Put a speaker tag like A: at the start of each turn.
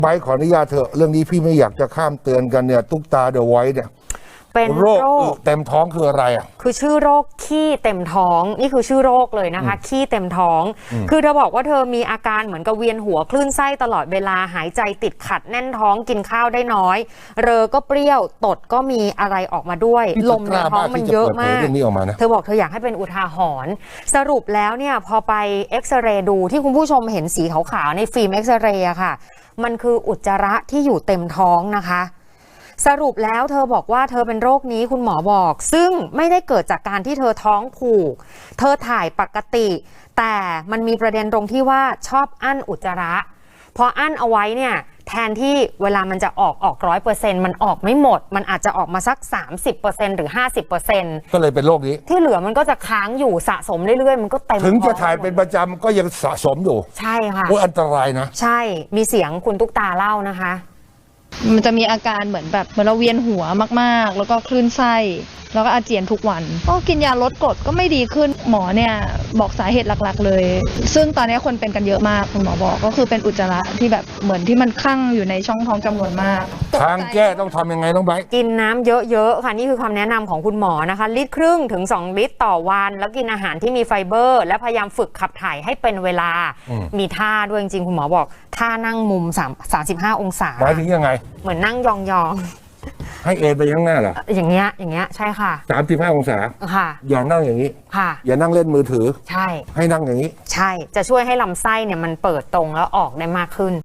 A: ไบค์ขออนุญาตเถอะเรื่องนี้พี่ไม่อยากจะข้ามเตือนกันเนี่ยตุ๊กตาเดอะไวท์เนี่ย
B: เป็นโรค
A: เต็มท้องคืออะไรอ่ะ
B: คือชื่อโรคขี้เต็มท้องนี่คือชื่อโรคเลยนะคะขี้เต็มท้องคือเธอบอกว่าเธอมีอาการเหมือนกับเวียนหัวคลื่นไส้ตลอดเวลาหายใจติดขัดแน่นท้องกินข้าวได้น้อยเรอก็เปรี้ยวตดก็มีอะไรออกมาด้วยลมในท้องมันเยอะมากเธอบอกเธออยากให้เป็นอุทาหรณ์สรุปแล้วเนี่ยพอไปเอ็กซเรย์ดูที่คุณผู้ชมเห็นสีขาวๆในฟิล์มเอ็กซเรย์ค่ะมันคืออุจจาระที่อยู่เต็มท้องนะคะสรุปแล้วเธอบอกว่าเธอเป็นโรคนี้คุณหมอบอกซึ่งไม่ได้เกิดจากการที่เธอท้องผูกเธอถ่ายปกติแต่มันมีประเด็นตรงที่ว่าชอบอั้นอุจจาระพออั้นเอาไว้เนี่ยแทนที่เวลามันจะออก 100% มันออกไม่หมดมันอาจจะออกมาสัก 30% หรือ 50%
A: ก็เลยเป็นโรคนี้
B: ที่เหลือมันก็จะค้างอยู่สะสมเรื่อยๆมันก็เต็ม
A: ถึงจะถ่ายเป็นประจำก็ยังสะสมอยู่
B: ใช่ค่ะ
A: อันตรายนะ
B: ใช่มีเสียงคุณตุ๊กตาเล่านะคะ
C: มันจะมีอาการเหมือนเราเวียนหัวมากๆแล้วก็คลื่นไส้แล้วก็อาเจียนทุกวันก็กินยาลดกรดก็ไม่ดีขึ้นหมอเนี่ยบอกสาเหตุหลักๆเลยซึ่งตอนนี้คนเป็นกันเยอะมากคุณหมอบอกก็คือเป็นอุจจาระที่แบบเหมือนที่มันคั่งอยู่ในช่องท้องจำนวนมาก
A: ทางแก้ต้องทำยังไงน้องไบร์ท
B: กินน้ำเยอะๆค่ะนี่คือคำแนะนำของคุณหมอนะคะ1.5 ลิตรถึง2 ลิตรต่อวันแล้วกินอาหารที่มีไฟเบอร์และพยายามฝึกขับถ่ายให้เป็นเวลามีท่าด้วยจริงๆคุณหมอบอกท่านั่งมุม35 องศา
A: หมายถึงยังไง
B: เหมือนนั่งยอง
A: ให้เอ็นไปข้างหน้าเหรอ
B: อย่างเงี้ยใช่ค่ะ
A: 35 องศา
B: ค่ะ
A: อย่านั่งอย่างนี้
B: ค่ะ
A: อย่านั่งเล่นมือถือ
B: ใช่
A: ให้นั่งอย่างนี้
B: ใช่จะช่วยให้ลำไส้เนี่ยมันเปิดตรงแล้วออกได้มากขึ้น